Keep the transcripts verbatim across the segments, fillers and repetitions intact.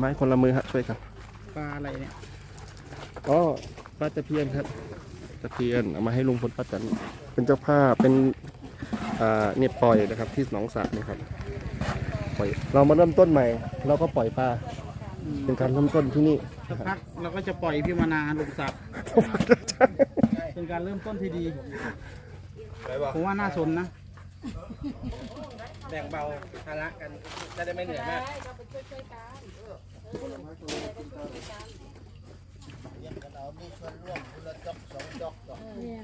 ม้คนละมือฮะช่วยกันปลาอะไรเนี่ยอ๋อปลาตะเพียนครับตะเพียนเอามาให้ลุงพลป้าแตนเป็นเจ้าภาพเป็นอ่าเนี่ยปล่อยนะครับที่หนองสระนะครับปล่อยเรามาเริ่มต้นใหม่เราก็ปล่อยปลาเป็นการเริ่มต้นที่นี่สักพักเราก็จะปล่อยพี่มานาลงสระเป็นการเริ่มต้นที่ดีผมว่าน่าสนนะแบ่งเบาภาระกันจะได้ไม่เหนื่อยมากเรามีส่วนร่วมคนละจอกสองจอกต่อ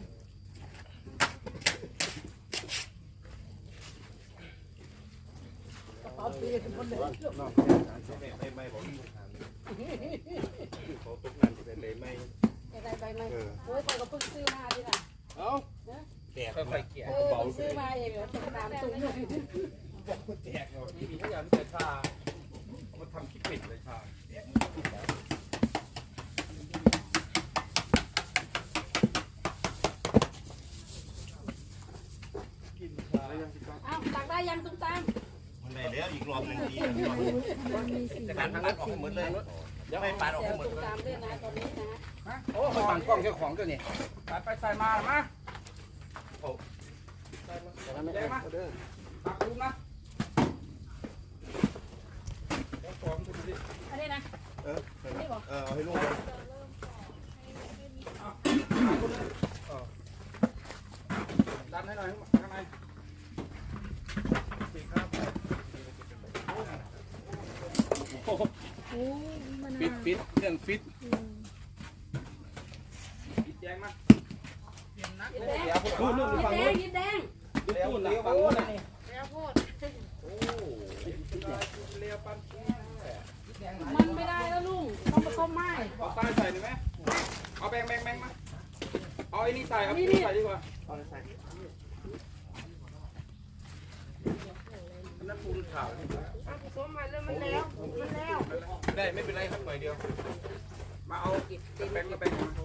เขาตีกันคนเดียวไม่ไม่บอกเขาตกงานที่เป็นเลยไม่อะไรใบไม่โอ้ยเขาก็เพิ่งซื้อมาดิล่ะเอ้าแตกค่อยๆเกี่ยเบาซื้อมาเองเหรอตามตุ้งเลยแตกเนาะที่มีพยานแต่ชามาทำคิดปิดเลยชาอ้าวตักได้ยังตุ้มตามมันได้แล้วอีกรอบหนึ่งทีจะการทางนั้นออกให้หมดเลยเดี๋ยวให้ปานออกให้หมดเลยตามด้วยนะตอนนี้นะโอ้ไปปั่นกล้องเจ้าของตัวนี้ไปไปใส่มามาโอ้ใส่มาใส่มาตักลุงนะอันนี้นะเออเออให้ลุงดันให้หน่อยข้างในฟิตฟิตเรื่องฟิตฟิตแจ้งมาเดี๋ยวพูดนู่นฝั่งนู้นยิ้มแดงเลี้ยวเลี้ยวฝั่งนู้นนี่เลี้ยวพูดโอ้เลี้ยวปั้นมันไม่ได้แล้วลุงต้องผสมไม้เอาใส่ใส่ได้ไหมเอาแบงแบงแบงมาเอาไอ้นี่ใส่เอานี่ใส่ดีกว่าเอาใส่นั่นปูนขาวผสมมาแล้วมันแล้วมันแล้วได้ไม่เป็นไรครับหน่อยเดียวมาเอาแบงค์กับแบงค์มา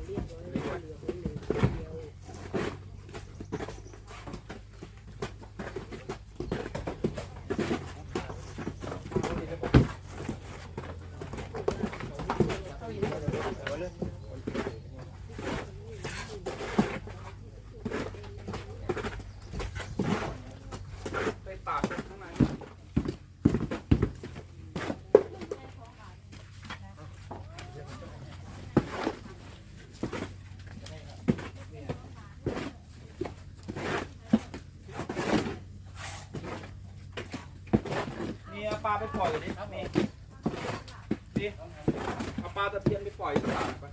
ปลาไปปล่อยดิครับเมย์ดิเอาปลาตะเพียนไปปล่อยตลาดไป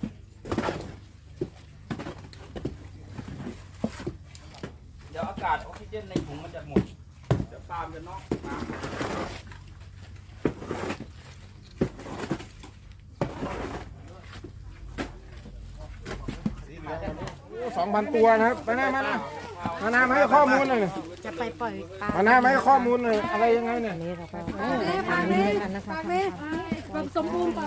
เดี๋ยวอากาศออกซิเจนในถุงมันจะหมดเดี๋ยวปลาจะนอกน้ำสองพันตัวนะครับไปหน้ามาหน้ามาหน้ามาให้ข้อมูลหน่อยจะไปปล่อยปลามาหน้ามาให้ข้อมูลหน่อยอะไรยังไงเนี่ยนี่เราก็ทำนี้กันนะคะความสมบูรณ์ก่อน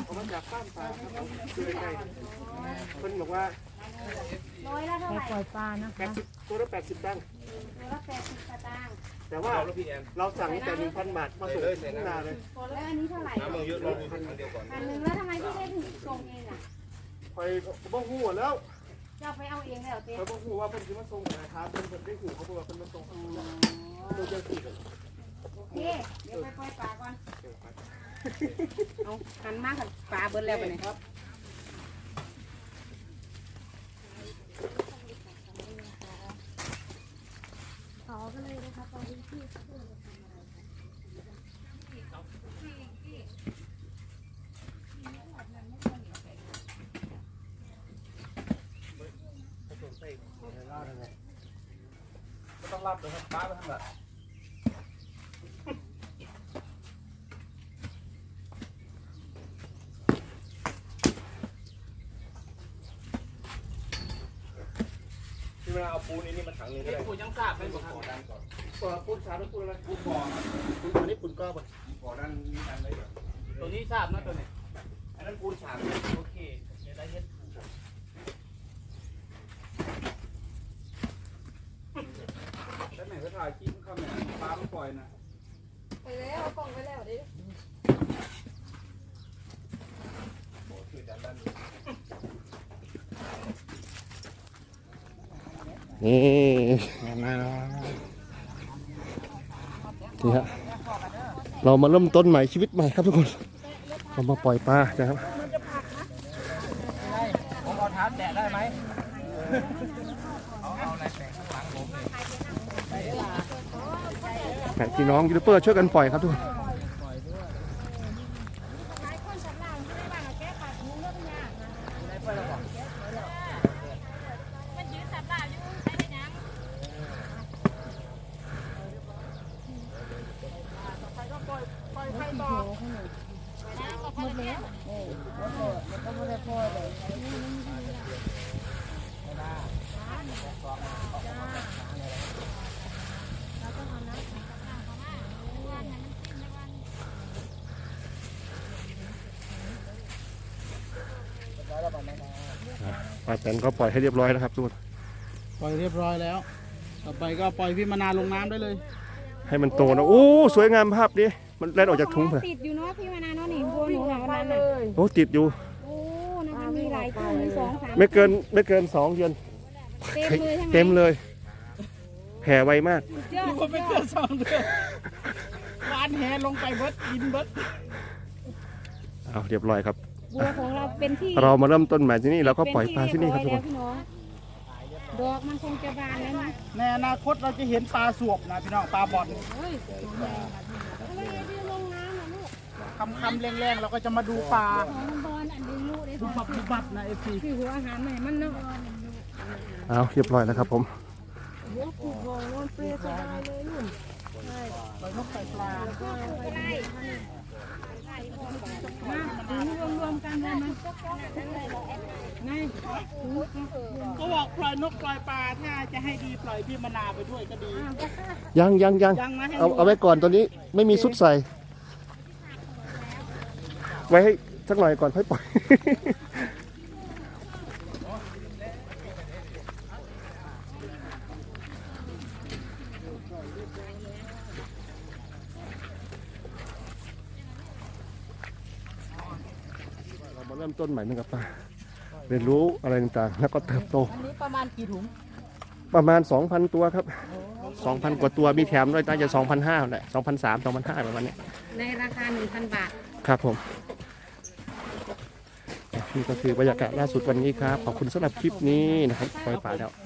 คนบอกว่าร้อยละเท่าไหร่ปล่อยปลานะคะตัวละแปดสิบตังค์ตัวละแปดสิบตังค์แต่ว่าเราสั่งแต่หนึ่งพันบาทมาส่งที่นาเลยแล้วอันนี้เท่าไหร่น้ำมันเยอะลงพันเดียวก่อนพันหนึ่งแล้วทำไมพี่ได้ถึงส่งเองอ่ะคอยบ้องหูแล้วจะไปเอาเองแล้วเต้คอยบ้องหูว่าเป็นที่มาส่งนะครับเป็นคนได้หูเขาบอกว่าเป็นมาส่งตัวเจ้าสี่เลยโอเคเดี๋ยวไปปล่อยปลาก่อนเอาหันมากกับปลาเบิร์ดแล้วไปไหนครับต่อกันเลยนะคะตอนนี้พี่เขาทำอะไรไม่ต้องรับเลยครับป้าไปทำแบบที่เวลาเอาปูนนี่มันถังนึงก็ได้ปูนยังสาบเป็นบ่อดันก่อนก่อนปูนสาบแล้วปูนอะไรปูนบ่อปูนตัวนี้ปูนก้อนบ่อดันมีดันอะไรแบบตัวนี้สาบนะตัวนี้อันนั้นปูนสาบโอเคเดี๋ยวได้เห็นแล้วไหนก็ถ่ายคลิปเข้าเนี่ยปลาไม่ปล่อยนะไปแล้วกล่องไปแล้วดินี่นี่ฮะเรามาเริ่มต้นใหม่ชีวิตใหม่ครับทุกคนเรามาปล่อยปลานะครับผมเอาเท้าแตะได้ไหมเอาเอาอะไรแตะข้างหลังผมพี่น้องยูทูบเบอร์ช่วยกันปล่อยครับทุกคนปลาแตนก็ปล่อยให้เรียบร้อยแล้วครับทุกคนปล่อยเรียบร้อยแล้ว ต่อไปก็ปล่อยพี่มานาวลงน้ำได้เลยให้มันโตนะโอ้สวยงามภาพดิมันแล่นออกจากถุงเลยติดอยู่เนาะพี่มานาเนาะนี่บัวหนูหาวันนั้นน่ะโอ้ติดอยู่โอ้นะคะมีหลายตัวมีสองสามไม่เกินไม่เกินสองเดือนเต็มเลยใช่ไหมเต็มเลยแผ่ไวมากเยอะคนไม่เกินสองเดือนวานแหลงไปเบิดกินเบิดเอาเรียบร้อยครับบัวของเราเป็นที่เรามาเริ่มต้นใหม่ที่นี่เราก็ปล่อยปลาที่นี่ครับทุกคนเป็นที่เยอยแล้วพี่น้องดอกมันคงจะบานแล้วนะในอนาคตเราจะเห็นปลาสวบนะพี่น้องปลาบอลเฮ้ยอะไรที่ลงน้ำนะลูกคำคำแรงๆเราก็จะมาดูปลาของบอลอันนี้ลูกได้ดูบับดูบับนะเอฟซีคือหัวอาหารใหม่มันเนาะเอาเรียบร้อยแล้วครับผมหัวผูกคอมันเปรี้ยวสบายเลยนุ่นปล่อยนกปล่อยปลามาถึงรวมๆกันเลยมั้ยนายก็บอกปล่อยนกปล่อยปลาถ้าจะให้ดีปล่อยพี่มานาวไปด้วยก็ดียังยังยังยังนะให้เอาเอาไว้ก่อนตอนนี้ไม่มีซุดใส่ ไว้ให้สักหน่อยก่อนค่อยปล่อย เรามาเริ่มต้นใหม่นึงกับปลาเรียนรู้อะไรต่างๆ แล้วก็เติบโตอันนี้ประมาณกี่ถุงประมาณ สองพัน ตัวครับ สองพัน กว่าตัวมีแถมด้วยน่าจะ สองพันห้าร้อย แหละ สองพันสามร้อย สองพันห้าร้อย ประมาณนี้ในราคา หนึ่งพัน บาทครับผมนี่ก็คือบรรยากาศล่าสุดวันนี้ครับ ขอบคุณสำหรับคลิปนี้นะครับปล่อยป่าแล้ว